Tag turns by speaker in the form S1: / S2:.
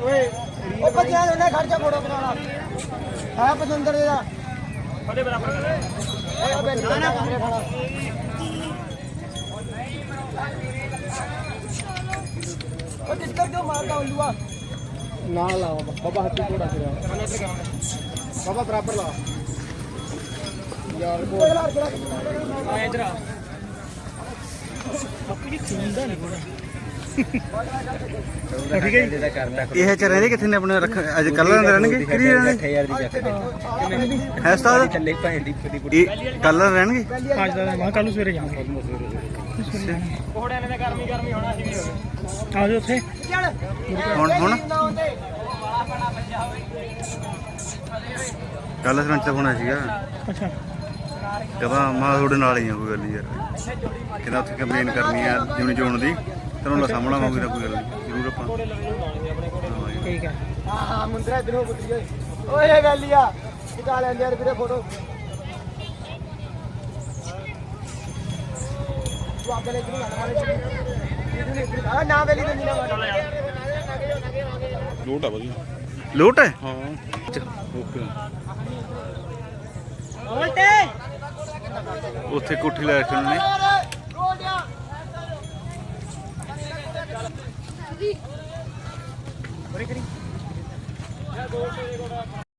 S1: ਉਹ ਬੱਚਿਆਂ ਨੇ ਖਰਚਾ ਫੋਟੋ ਬਣਾਉਣਾ ਹੈ ਪਸੰਦਰ ਦਾ ਫੜੇ ਬਰਾਬਰ ਓਏ ਬੈਠ ਨਾ ਕਮਰੇ ਖਾਣਾ ਉਹ ਕਿੱਧਰ ਕਿਉਂ ਮਾਰਦਾ ਉੱਲੂਆ ਨਾਲ ਲਾ ਬਾਬਾ ਹੱਥੀ ਥੋੜਾ ਕਰਿਆ ਬਾਬਾ ਬਰਾਬਰ ਲਾ ਯਾਰ ਕੋਲ ਆ ਇਧਰ ਆ ਆਪਣੀ ਚੁੰਦਾ ਨਹੀਂ ਕੋਣਾ ਠੀਕ ਹੈ ਜੀ ਇਹ ਚ ਰਹਿੰਦੇ ਕਿੱਥੇ ਨੇ ਆਪਣੇ ਰੱਖ ਅੱਜ ਕੱਲ ਰਹਿਣਗੇ ਕਿਹੜੀ ਰਹਿਣਗੇ 8000 ਦੀ ਚੱਕ ਹੈ ਉਸਤਾਦ ਚੱਲੇ ਭਾਂਡੀ ਕੱਲ ਰਹਿਣਗੇ ਅੱਜ ਦਾ ਮੈਂ ਕੱਲ ਨੂੰ ਸਵੇਰੇ ਜਾਵਾਂਗੇ ਕੋਹੜਿਆਂ ਨੇ ਗਰਮੀ ਹੋਣਾ ਸੀ ਆ ਜਾਓ ਉੱਥੇ ਹੁਣ ਕੱਲ ਸਰਪੰਚ ਹੋਣਾ ਸੀਗਾ ਅੱਛਾ ਕਹਿੰਦਾ ਮੈਂ ਤੁਹਾਡੇ ਨਾਲ ਹੀ ਆ ਕੋਈ ਗੱਲ ਨਹੀਂ ਯਾਰ ਕਹਿੰਦਾ ਉੱਥੇ ਕੰਪਲੇਨ ਕਰਨੀ ਆ ਜਿਉਣੀ ਚੋਣ ਦੀ ਤੈਨੂੰ ਸਾਹਮਣਾ ਹੋਊਗੀ ਤਾਂ ਕੋਈ ਗੱਲ ਨਹੀਂ ਜ਼ਰੂਰ ਆਪਾਂ ਠੀਕ ਹੈ ਹਾਂ ਮੁੰਦਰਾ ਇਧਰੋਂ ਪੁੱਤਰੀ ਓਏ ਵੈਲੀਆ ਕਿਤਾ ਲੈਂਦੇ ਯਾਰ ਵੀਰੇ ਫੋਟੋ ਤੂੰ ਆਪੇ ਲੈ ਕੇ ਆ ਨਾ ਵੈਲੀ ਤੇ ਨੀਨਾ ਲੋਟ ਆ ਵਧੀਆ ਲੋਟ ਹੈ ਹਾਂ ਓਕੇ ਉੱਥੇ ਕੋਠੀ ਲੈ ਰੱਖਣ ਨੇ